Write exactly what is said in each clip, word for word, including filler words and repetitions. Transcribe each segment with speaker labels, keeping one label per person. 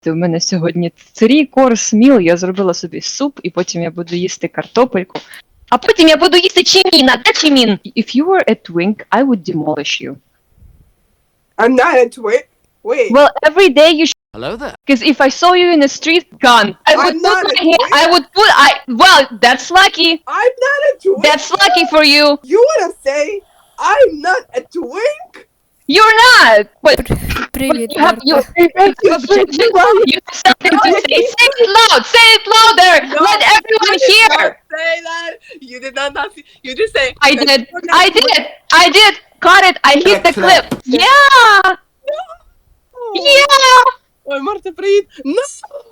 Speaker 1: У мене сьогодні три course meal, я зробила собі суп, і потім я буду їсти картопельку. А потім я буду їсти чиміна, де чимін? If you were a twink, I would demolish you.
Speaker 2: I'm not a twin. Wait.
Speaker 1: Well, every day you should.
Speaker 3: Hello there.
Speaker 1: Because if I saw you in the street, gone. I would
Speaker 2: I'm
Speaker 1: put
Speaker 2: not
Speaker 1: my
Speaker 2: a
Speaker 1: hand,
Speaker 2: twink.
Speaker 1: I would put, I, well, that's lucky.
Speaker 2: I'm not a twink.
Speaker 1: That's lucky for you.
Speaker 2: You wanna say I'm not a twink?
Speaker 1: You're not. But, but
Speaker 4: Привіт,
Speaker 1: you have, you,
Speaker 4: Марта.
Speaker 1: you have you have something to say. Say it loud. Say it louder. Let everyone
Speaker 2: You did
Speaker 1: hear.
Speaker 2: not say that. You did not, not see, you just say
Speaker 1: I
Speaker 2: that
Speaker 1: did.
Speaker 2: you're not
Speaker 1: I
Speaker 2: a twink.
Speaker 1: did. I did. Got it. I hit the clip. Yeah. Yeah.
Speaker 2: Ой, Марта, привіт. No!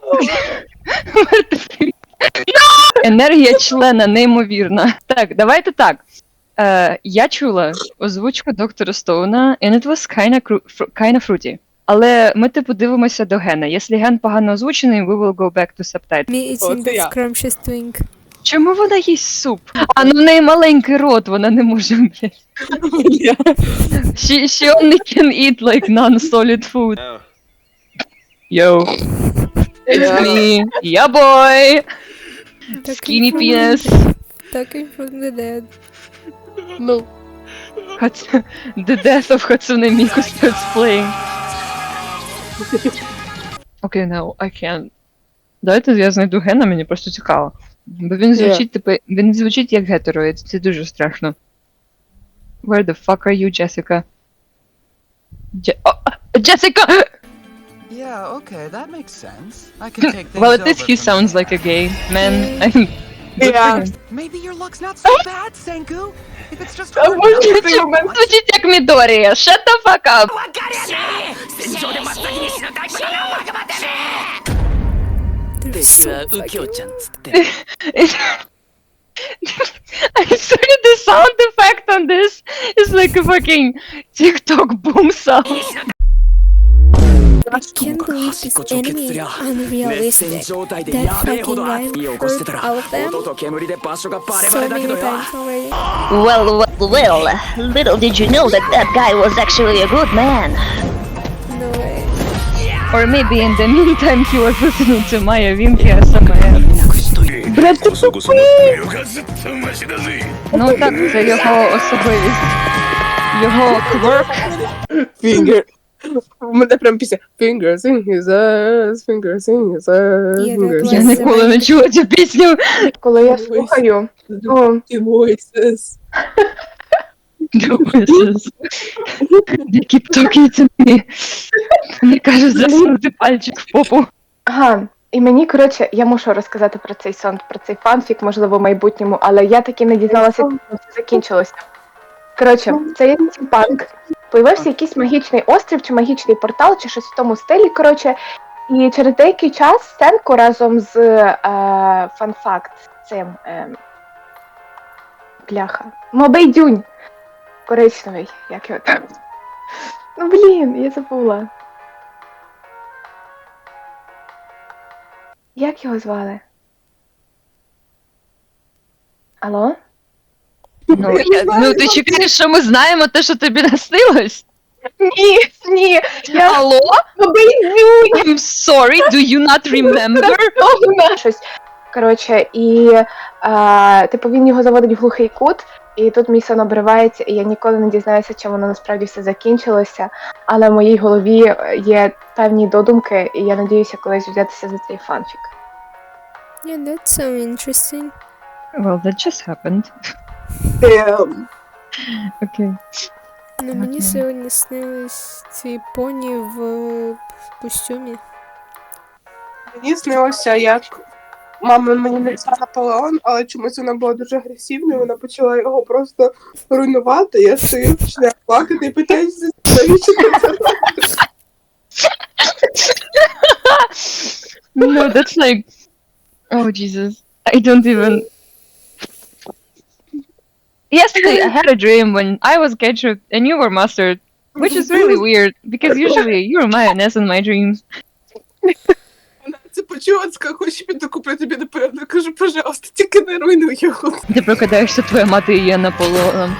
Speaker 1: Енергія члена неймовірна. Так, давайте так. Е, я чула озвучку доктора Стоуна, and it was kinda, cru- kinda fruity. Але ми типу дивимося до Гена. Якщо Ген погано озвучений, we will go back to subtitles.
Speaker 4: Me
Speaker 2: О,
Speaker 4: eating
Speaker 2: це
Speaker 4: the
Speaker 2: я.
Speaker 4: scrumptious twink.
Speaker 1: Чому вона їсть суп? А ну в неї маленький рот, вона не може, блядь. She, she only can eat like non-solid food. Yo. It's me. Yeah, boy. Skinny penis.
Speaker 4: Talking from the dead.
Speaker 2: Ну,
Speaker 1: Hats- The death of Hatsune Miku starts playing. Okay, no, I can't. Давайте я знайду Гена, мені просто цікаво. Бо він звучить, типу, він звучить як гетероїд, це дуже страшно. Where the fuck are you, Jessica? Je- oh, Jessica!
Speaker 3: Yeah, okay, that makes sense. I could take things
Speaker 1: Well, at least
Speaker 3: over
Speaker 1: he
Speaker 3: from
Speaker 1: sounds
Speaker 3: there.
Speaker 1: like a gay man. I'm
Speaker 2: yeah.
Speaker 3: Maybe your luck's not so bad, Senku. If it's just
Speaker 2: А
Speaker 3: hard
Speaker 2: може
Speaker 3: enough.
Speaker 2: цей момент?
Speaker 1: Звучить як Мідорія. Shut the fuck up!
Speaker 4: They're so fucking...
Speaker 1: I'm sorry, the sound effect on this is like a fucking TikTok boom sound.
Speaker 4: I can't believe this enemy is unrealistic. That fucking guy hurt all of them so many times already.
Speaker 5: Well, well, well, little did you know that that guy was actually a good man.
Speaker 4: No way.
Speaker 1: Or maybe in the meantime he was listening to Maya Vinky or somewhere.
Speaker 2: Блядь, ти
Speaker 1: Ну так, це його особливість. Його кверк.
Speaker 2: Finger. У мене прям пісня Fingers in his ass, fingers in his ass,
Speaker 4: Yeah,
Speaker 2: fingers
Speaker 4: that
Speaker 1: Я
Speaker 2: in
Speaker 4: was-
Speaker 1: ніколи не чула цю пісню.
Speaker 6: Коли я слухаю, то
Speaker 2: his voices.
Speaker 1: They keep talking to me. Мені кажуть засунути пальчик в попу.
Speaker 6: ага, і мені, коротше, я мушу розказати про цей сон, про цей фанфік, можливо, в майбутньому, але я таки не дізналася, як це закінчилося. Коротше, це є стімпанк. Появився якийсь магічний острів, чи магічний портал, чи щось в тому стилі, коротше. І через деякий час Сенко разом з е, фанфакт цим е, бляха. Мобейдюнь. Коричневий, як його там. Ну блін, я забула. Як його звали? Алло?
Speaker 1: Ну, я, ну ти чекаєш, що ми знаємо те, що тобі наснилось?
Speaker 6: Ні, ні, я
Speaker 1: Алло?
Speaker 6: Мобейдюнь!
Speaker 1: I'm sorry, do you not remember?
Speaker 6: Щось. Коротше, і е, типу він його заводить в глухий кут, і тут мій сон обривається, і я ніколи не дізнаюся, чим воно насправді все закінчилося. Але в моїй голові є певні додумки, і я надіюся колись взятися за цей фанфік.
Speaker 4: Yeah, that's so interesting.
Speaker 1: Well, that just happened.
Speaker 2: Damn.
Speaker 1: Okay.
Speaker 4: Ну, мені сьогодні снились ці поні в е, костюмі.
Speaker 2: Мені снилося, як мама мені нарисувала Наполеон, але чомусь вона була дуже агресивною, вона почала його просто руйнувати. Я стою, починаю плакати і питаюся, навіщо ти це робиш?
Speaker 1: No, that's like... Oh, Jesus. I don't even... Yesterday, I had a dream when I was ketchup and you were mustard, which is really weird, because usually you're mayonnaise in my dreams.
Speaker 2: Вона це почула, сказала, хочеш піду куплю тобі наперед. Я кажу, пожалуйста, тільки не руйнуй його.
Speaker 1: Ти прокидаєшся, твоя мати є Наполеоном.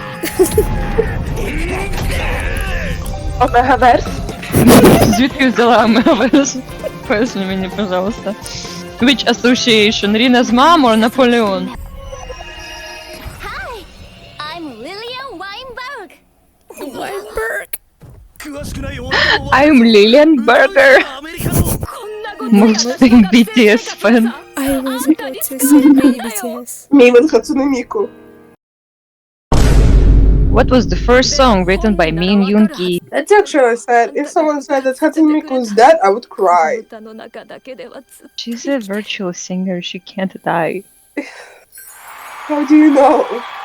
Speaker 6: Омегаверс?
Speaker 1: Звідки взяла Мегаверс? Поясни мені, пожалуйста. Which association? Rina's mom or Napoleon?
Speaker 7: I'm Lillian Weinberg.
Speaker 4: Weinberg.
Speaker 1: I'm Lillian Berger. Most B T S fan.
Speaker 4: I was about to say maybe B T S.
Speaker 2: Мейвен Хацуне Міку.
Speaker 1: What was the first song written by Min Yoon Ki?
Speaker 2: That's actually sad. If someone said that Hatsune Miku was dead, I would cry.
Speaker 1: She's a virtual singer. She can't die.
Speaker 2: How do you know?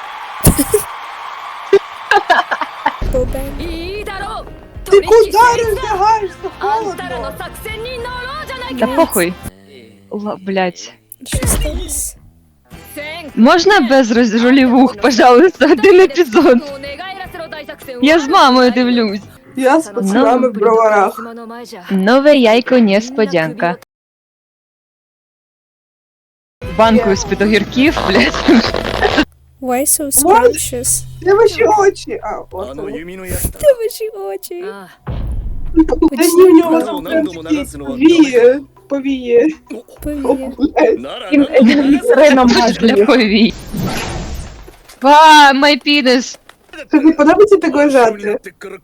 Speaker 4: Bobang.
Speaker 2: Ти куди роздягаєшся? Холодно.
Speaker 1: Та похуй. Ла, блять.
Speaker 4: Що сталося?
Speaker 1: Можна без роз- ролівух, пожалуйста, один епізод? Я з мамою дивлюсь.
Speaker 2: Я з пацанами в броварах.
Speaker 1: Нове яйко несподянка. Банкою з-під огірків, блядь.
Speaker 4: Why so scrumptious?
Speaker 2: Де ваші очі? А, от. воно.
Speaker 4: Де ваші очі?
Speaker 2: Та ні, в нього там прям такі повії. Повії.
Speaker 4: Повіє.
Speaker 6: Рина
Speaker 1: Для повій. Ва, my penis.
Speaker 2: Тобі подобається так лежати?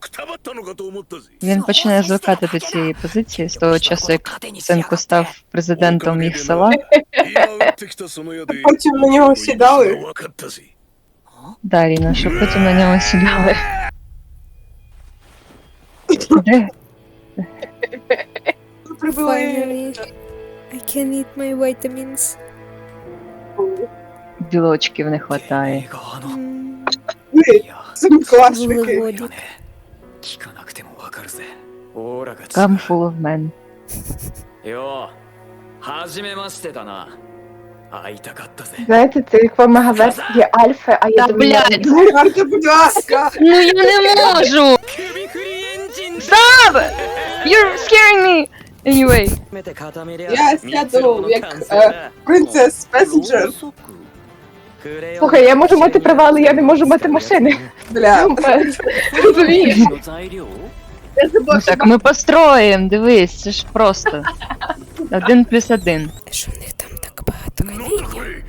Speaker 1: Він починає звикати до цієї позиції з того часу, як синку став президентом їх села.
Speaker 2: Потім на нього сідали.
Speaker 1: Да, Ріна, щоб потім на нього сідали. Де?
Speaker 2: Прибили.
Speaker 4: Finally, I can eat my vitamins.
Speaker 1: Білочків не хватає.
Speaker 4: Mm,
Speaker 2: Ви, семикласники.
Speaker 4: вуглеводик.
Speaker 1: Come full of men.
Speaker 8: よう初めましてだな会いたかったぜ
Speaker 6: Знаєте, це як в мегаверсії Альфи, а я
Speaker 1: Та,
Speaker 6: думаю,
Speaker 1: блядь.
Speaker 2: Марта, будь ласка.
Speaker 1: Ну я не можу! Stop! You're scaring me! Anyway.
Speaker 2: Я сяду як е, принцес Песенджер.
Speaker 6: слухай, я можу мати права, але я не можу мати машини.
Speaker 2: Бля.
Speaker 6: Розумієш?
Speaker 2: Я забула,
Speaker 1: Ну так, ми построїмо, дивись, це ж просто. Один плюс один.
Speaker 4: Що в них там так багато каміння?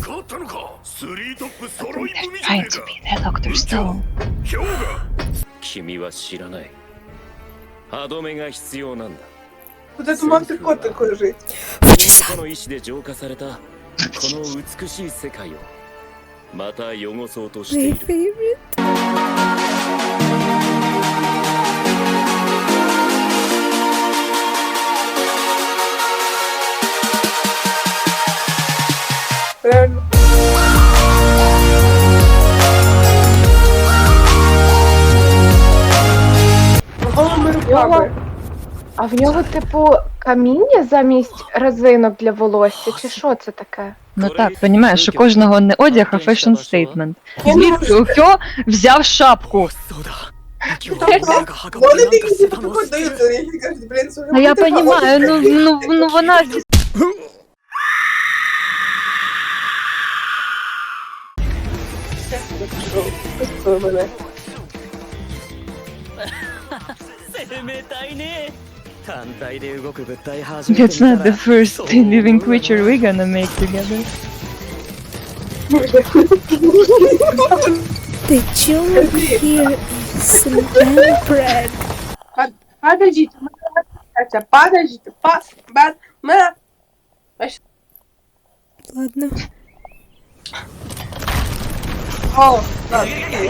Speaker 1: Trying to be the Doctor Stone.
Speaker 8: 君は知らない歯止めが必要なんだ
Speaker 2: куди туманний котик лежить.
Speaker 8: この意志で浄化されたこの美しい世界をまた汚そうとしてい
Speaker 4: My
Speaker 8: る
Speaker 4: favorite.
Speaker 2: Реально. Голими руками.
Speaker 6: А в нього, типу, каміння замість резинок для волосся, чи що це таке?
Speaker 1: Ну так, розумієш, у кожного не одяг, а фешн стейтмент. Звідки Ухьо взяв шапку?
Speaker 2: Вони такі підходять до Ютури і кажуть, блін, слухай,
Speaker 1: А я
Speaker 2: ти
Speaker 1: розумію, ну, ну, ну вона зі-
Speaker 2: Пустили мене.
Speaker 8: 冷たいね単体で動く物体初めて
Speaker 1: That's not the first living creature we're gonna make together.
Speaker 4: The joke here is lamb bread.
Speaker 2: Подождіть, Катя, подождіть, па, ба, ме.
Speaker 4: Ладно.
Speaker 2: О, так, окей.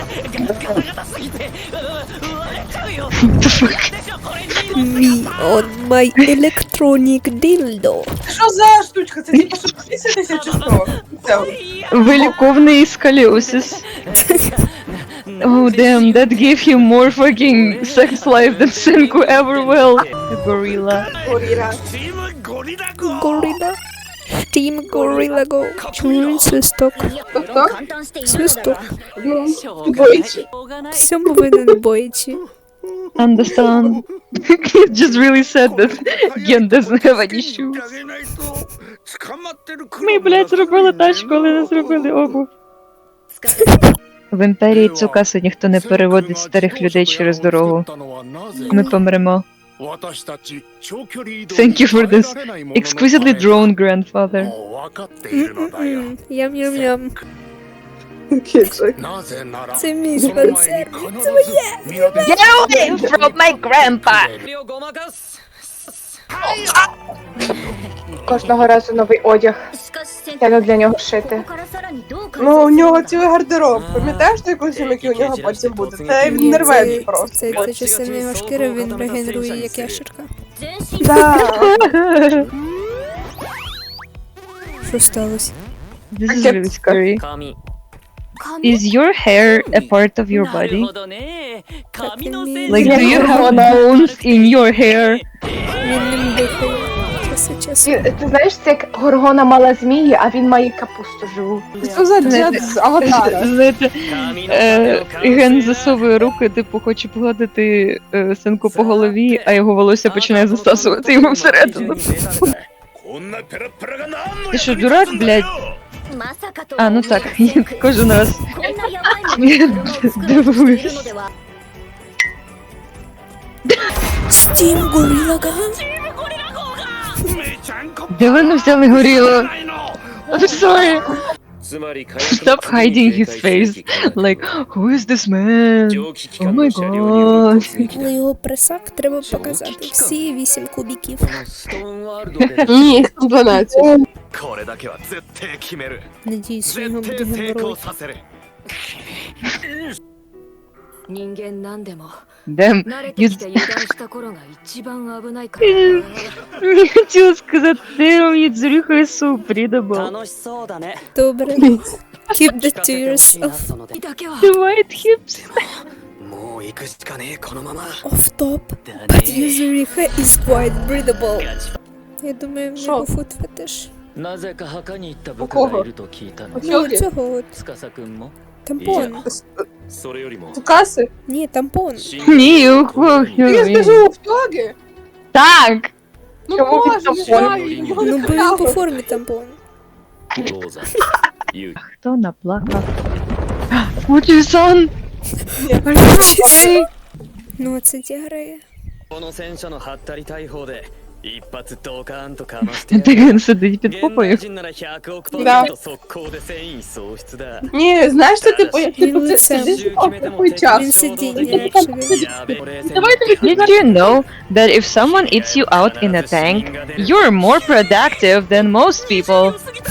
Speaker 4: Me on my electronic dildo.
Speaker 2: Що за штучка? Це типу, щоб писатися чи що? Це от.
Speaker 1: Виліковний сколіосис. Oh damn, that gave him more fucking sex life than Senku ever will. A gorilla.
Speaker 2: Горіра.
Speaker 4: Gorilla. Team Gorilla Go. Чому свисток?
Speaker 2: Тобто?
Speaker 4: Свисток.
Speaker 2: Ну, двоїчі.
Speaker 4: Всьому винен боячі.
Speaker 1: Understand. It just really said that Gen doesn't have any shoes. Ми, блядь, зробили тачку, але не зробили обув. В імперії Цукасу ніхто не переводить старих людей через дорогу. Ми помремо. Thank you for this exquisitely drawn grandfather.
Speaker 4: М-м-м. Ям-ям-ям.
Speaker 2: Кексик.
Speaker 4: Це мій спонсор. Це моє.
Speaker 5: Get away from my grandpa!
Speaker 6: Кожного разу новий одяг.
Speaker 7: しかし先
Speaker 6: Треба для нього
Speaker 7: こ
Speaker 6: шити.
Speaker 7: こからさらにどう改
Speaker 2: Ну, у
Speaker 7: 善する
Speaker 2: нього цілий гардероб. Пам'ятаєш той костюм, який у нього потім буде? Це він не рве
Speaker 4: Це,
Speaker 2: просто.
Speaker 4: це, це частина його шкіри, він регенерує як ящерка.
Speaker 7: 全身
Speaker 2: Да.
Speaker 4: Що сталося?
Speaker 1: This is really scary.
Speaker 7: 髪
Speaker 1: Is your hair a part of your
Speaker 9: なる
Speaker 1: body?
Speaker 9: ほどね髪の
Speaker 4: Like,
Speaker 9: セン
Speaker 1: Like,
Speaker 9: ス
Speaker 1: do you have bones in your hair?
Speaker 4: Він ним дихає. Час від часу.
Speaker 6: Ти, ти знаєш, це як Горгона мала змії, а він має капусту живу.
Speaker 2: Що за дід з аватара?
Speaker 1: Знаєте,
Speaker 9: 髪の
Speaker 1: е,
Speaker 9: 毛を
Speaker 1: Ген засовує руки, типу, хоче погладити е, синку по голові, а його волосся починає засасувати йому всередину. Ти що, дурак, блядь?
Speaker 7: まさかと
Speaker 1: А,
Speaker 7: は
Speaker 1: ну
Speaker 7: 思いま
Speaker 1: так,
Speaker 7: せんけど
Speaker 1: кожен раз.
Speaker 7: こんなやばいものに車を作ろうとしているのでは
Speaker 4: Стім Горіла Ган?
Speaker 1: Де вони взяли горіло? I'm sorry.
Speaker 8: つまり火
Speaker 1: Stop hiding his face. Like, who is this man?
Speaker 8: 蒸気機
Speaker 1: Oh
Speaker 8: 関
Speaker 1: my
Speaker 8: の車両による突撃
Speaker 4: Але його пресак треба показати. Всі вісім кубіків.
Speaker 9: ストーンワールドで
Speaker 2: Ні, дванадцять.
Speaker 3: これだけは絶対決める
Speaker 4: Надіюсь, що його
Speaker 3: 絶
Speaker 4: буде
Speaker 3: 対成功
Speaker 4: геморой.
Speaker 3: させる
Speaker 10: 人間なんでも
Speaker 1: Damn.
Speaker 10: 慣れて
Speaker 1: You...
Speaker 10: きて油断した頃が一番危ないから
Speaker 1: Не хотіла сказати, damn, you Zurich is so breathable.
Speaker 9: 楽しそうだね
Speaker 4: Добре. Keep that to
Speaker 9: てほしいな
Speaker 4: yourself.
Speaker 9: そので
Speaker 10: だけは
Speaker 1: The white hips.
Speaker 3: もう行くしかねえこのまま
Speaker 4: Off top.
Speaker 9: だ
Speaker 4: But
Speaker 9: ね
Speaker 4: Yuzuriha is quite breathable. Я думаю, в
Speaker 2: Що?
Speaker 4: нього фут фетиш.
Speaker 9: なぜか墓に行った部下がいると聞いたの
Speaker 2: Чого?
Speaker 4: Ну, цього от.
Speaker 9: 司くんも
Speaker 4: Тампон.
Speaker 8: それよりも
Speaker 2: Цукаси?
Speaker 4: Ні, тампон.
Speaker 1: Ні, ухо,
Speaker 2: Я скажу в тогі.
Speaker 1: Так.
Speaker 2: Ну
Speaker 6: Чому він
Speaker 2: боже,
Speaker 6: там
Speaker 2: жаль, його
Speaker 4: Ну,
Speaker 2: не
Speaker 4: бо він по
Speaker 2: хапав.
Speaker 4: формі тампон.
Speaker 8: ローザユウ
Speaker 1: Хто наплакав? Мучі-сан!
Speaker 2: Ні.
Speaker 4: Ну, а це тяграє.
Speaker 9: この戦車のハッタリ大砲で一発ドカーンとかましてやる
Speaker 1: Він сидить під
Speaker 9: 現代
Speaker 1: попою.
Speaker 9: 人ならひゃくおくパ
Speaker 2: だ
Speaker 9: ーセント速攻で戦意喪失だ
Speaker 2: Ні, знаєш, що типу, як
Speaker 4: Він
Speaker 2: типу, ти
Speaker 4: лицем.
Speaker 2: сидиш в такий
Speaker 4: Він
Speaker 2: час.
Speaker 4: сидіння, actually.
Speaker 9: やべ俺
Speaker 1: Did you know that if someone eats you out in a tank, you're more productive than most people?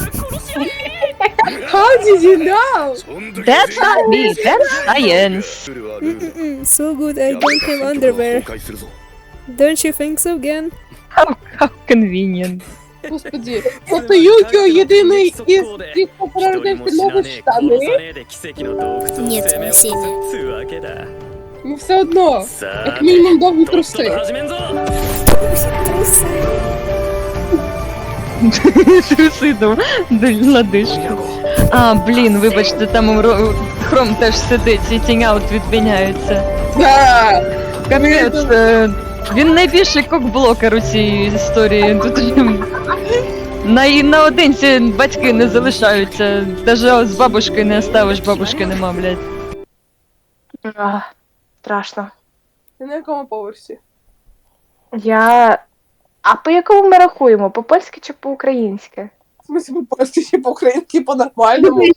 Speaker 2: How did you know?
Speaker 1: That's not me, that's science.
Speaker 4: Mm-mm-mm, so good I don't have underwear. Don't you think so, Gen?
Speaker 1: How, how convenient.
Speaker 2: Господи, тобто Юкіо єдиний із тих, хто переродився нові штани,
Speaker 4: Ні, це не сильно.
Speaker 2: ну все одно,
Speaker 9: さ
Speaker 2: як
Speaker 9: あ
Speaker 2: мінімум довгі
Speaker 9: とっとと
Speaker 2: труси.
Speaker 9: 始めんぞ
Speaker 1: Труси до, до лодыжки. А, блін, вибачте, там ро- хром теж сидить і тінь-аут відміняється.
Speaker 2: Да.
Speaker 1: Капець, е, він найбільший кокблокер у цій історії. Тут на, наодинці батьки не залишаються. Даже з бабушкою не оставиш, бабушки нема, блядь.
Speaker 6: Ах, страшно.
Speaker 2: Ти на якому поверсі?
Speaker 6: Я. А по якому ми рахуємо? По польськи чи по українськи?
Speaker 2: В смысле, по-польськи чи по-українськи по-нормальному?